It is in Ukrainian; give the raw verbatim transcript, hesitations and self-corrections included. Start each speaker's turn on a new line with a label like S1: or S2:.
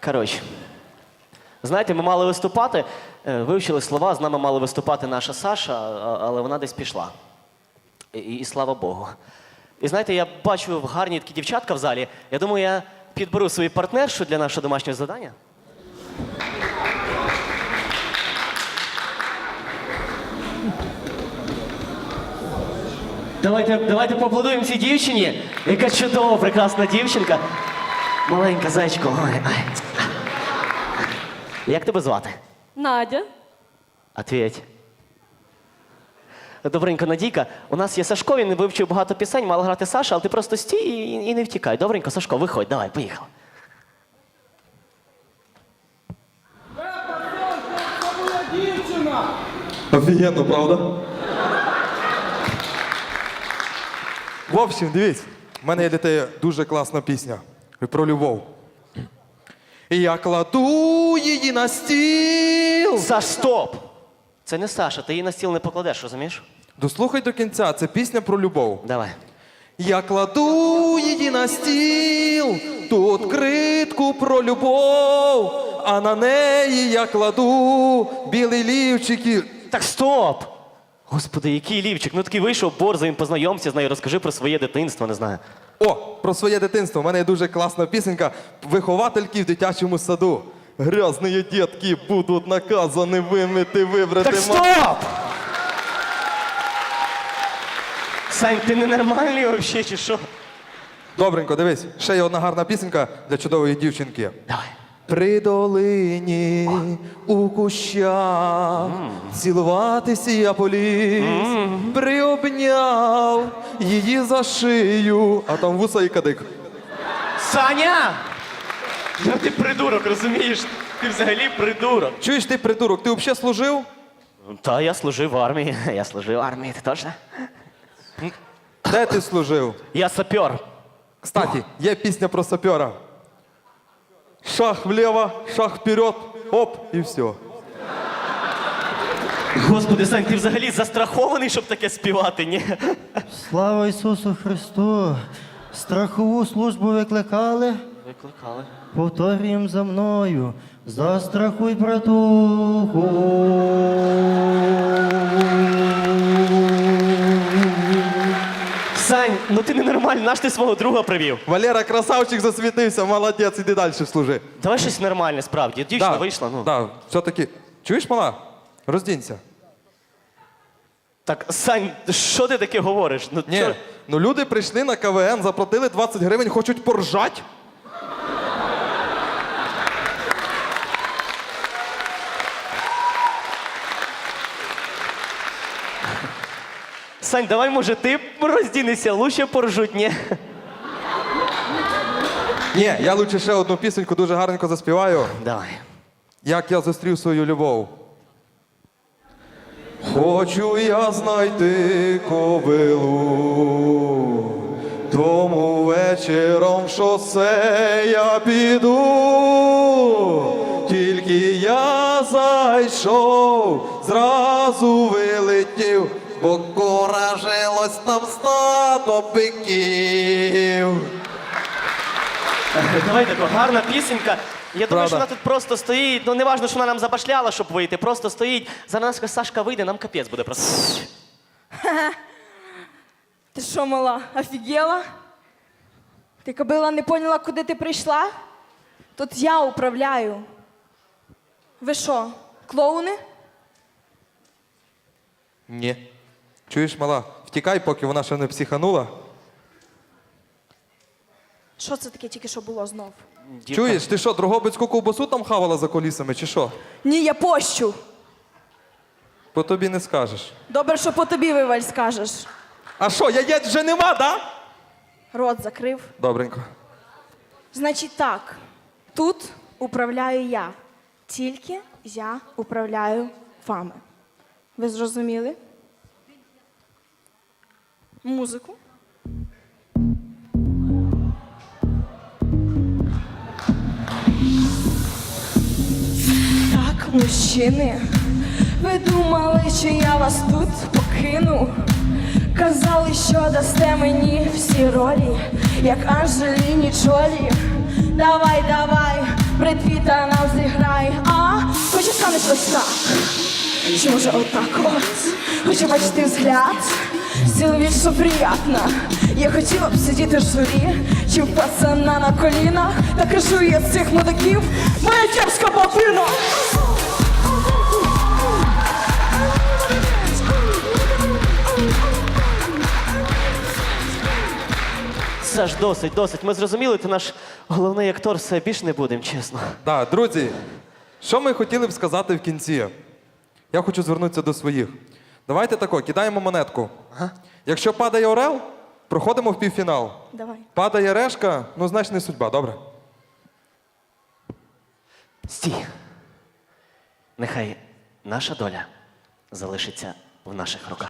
S1: Коротше. Знаєте, ми мали виступати, е, вивчили слова, з нами мала виступати наша Саша, а- але вона десь пішла. І, і слава Богу. І знаєте, я бачу гарні такі дівчатка в залі. Я думаю, я підберу свою партнершу для нашого домашнього завдання. Давайте, давайте поаплодуємо цій дівчині. Яка чудова, прекрасна дівчинка. Маленька зайчко. Ой, ой. Як тебе звати?
S2: Надя.
S1: Ответь. Добренько, Надійка, у нас є Сашко, він вивчив багато пісень, мала грати Саша, але ти просто стій і, і не втікай. Добренько, Сашко, виходь, давай, поїхали.
S3: Офігенно, правда? В общем, дивіться, в мене є для тебе дуже класна пісня. І про любов. І я кладу її на стіл.
S1: Саш, стоп! Це не Саша, ти її на стіл не покладеш, розумієш?
S3: Дослухай до кінця, це пісня про любов.
S1: Давай.
S3: Я кладу її на стіл, ту откритку про любов, а на неї я кладу білий лівчик і...
S1: Так стоп! Господи, який лівчик, ну такий вийшов, борзо, він познайомся з нею, розкажи про своє дитинство, не знаю.
S3: О, про своє дитинство. У мене є дуже класна пісенька «Виховательки в дитячому саду». Грязні дітки будуть наказані вимити, вибрати...
S1: Так стоп! Сань, ти ненормальний взагалі, чи що?
S3: Добренько, дивись, ще є одна гарна пісенька для чудової дівчинки.
S1: Давай.
S3: При долині у кущах цілуватися я поліз, приобняв її за шию, а там вуса і кадик.
S1: Саня! Ну ти придурок, розумієш? Ти взагалі придурок.
S3: Чуєш ти, придурок, ти взагалі служив?
S1: Та, я служив в армії. Я служив в армії, ти точно?
S3: Де ти служив?
S1: Я сапер.
S3: Кстати, є пісня про сапера. Шаг влево, шаг вперед, оп, і все.
S1: Господи, Сань, ти взагалі застрахований, щоб таке співати, ні?
S4: Слава Ісусу Христу! Страхову службу викликали,
S1: Викликали.
S4: повторюємо за мною. Застрахуй, братуху.
S1: Сань, ну ти ненормальний, наш ти свого друга привів.
S3: Валера, красавчик, засвітився, молодець, іди далі служи.
S1: Давай щось нормальне, справді. Дівчина вийшла, ну.
S3: Да, все-таки. Чуєш, мала? Роздінься.
S1: Так, Сань, що ти таке говориш? Ну,
S3: Ні,
S1: чо-
S3: ну люди прийшли на КВН, заплатили двадцять гривень, хочуть поржать.
S1: Сань, давай, може, ти роздінешся, лучше поржуть, ні?
S3: Ні, я лучше ще одну пісеньку дуже гарненько заспіваю.
S1: Давай.
S3: Як я зустрів свою любов. Хочу я знайти кобилу, тому вечором в шосе я піду. Тільки я зайшов, зразу вилетів, бо куражилось там стадо биків.
S1: Давай тако, гарна пісенька. Я думаю,
S3: Правда.
S1: що вона тут просто стоїть. Ну, не важливо, що вона нам забашляла, щоб вийти. Просто стоїть. Зараз нас Сашка вийде, нам капець буде просто.
S2: Ти що, мала, офігела? Ти, кобила, не поняла, куди ти прийшла? Тут я управляю. Ви що, клоуни?
S3: Ні. Чуєш, мала, втікай, поки вона ще не психанула.
S2: Що це таке тільки що було знов?
S1: Дівка.
S3: Чуєш, ти що, Дрогобицьку ковбасу там хавала за колісами, чи що?
S2: Ні, я пощу.
S3: По тобі не скажеш.
S2: Добре, що по тобі, Виваль, скажеш.
S3: А що, яєць вже нема, да?
S2: Рот закрив.
S3: Добренько.
S2: Значить так, тут управляю я. Тільки я управляю вами. Ви зрозуміли? Музику. Так, мужчини, ви думали, що я вас тут покину? Казали, що дасте мені всі ролі, як Анджеліні Джолі. Давай, давай, Бред Піта нам зіграє, а хоче станеш ось так. Чи може отак от? Хочу бачити взгляд, стіл що приятно. Я хотіла б сидіти в журі, чи в пацана на колінах. Та кажу я з цих мудаків, моя кепська бабина.
S1: Саш, досить, досить. Ми зрозуміли, ти наш головний актор, все більше не будемо, чесно.
S3: Так, друзі, що ми хотіли б сказати в кінці? Я хочу звернутися до своїх. Давайте тако, кидаємо монетку. Якщо падає орел, проходимо в півфінал.
S2: Давай.
S3: Падає решка, ну значить не судьба, добре?
S1: Стій. Нехай наша доля залишиться в наших руках.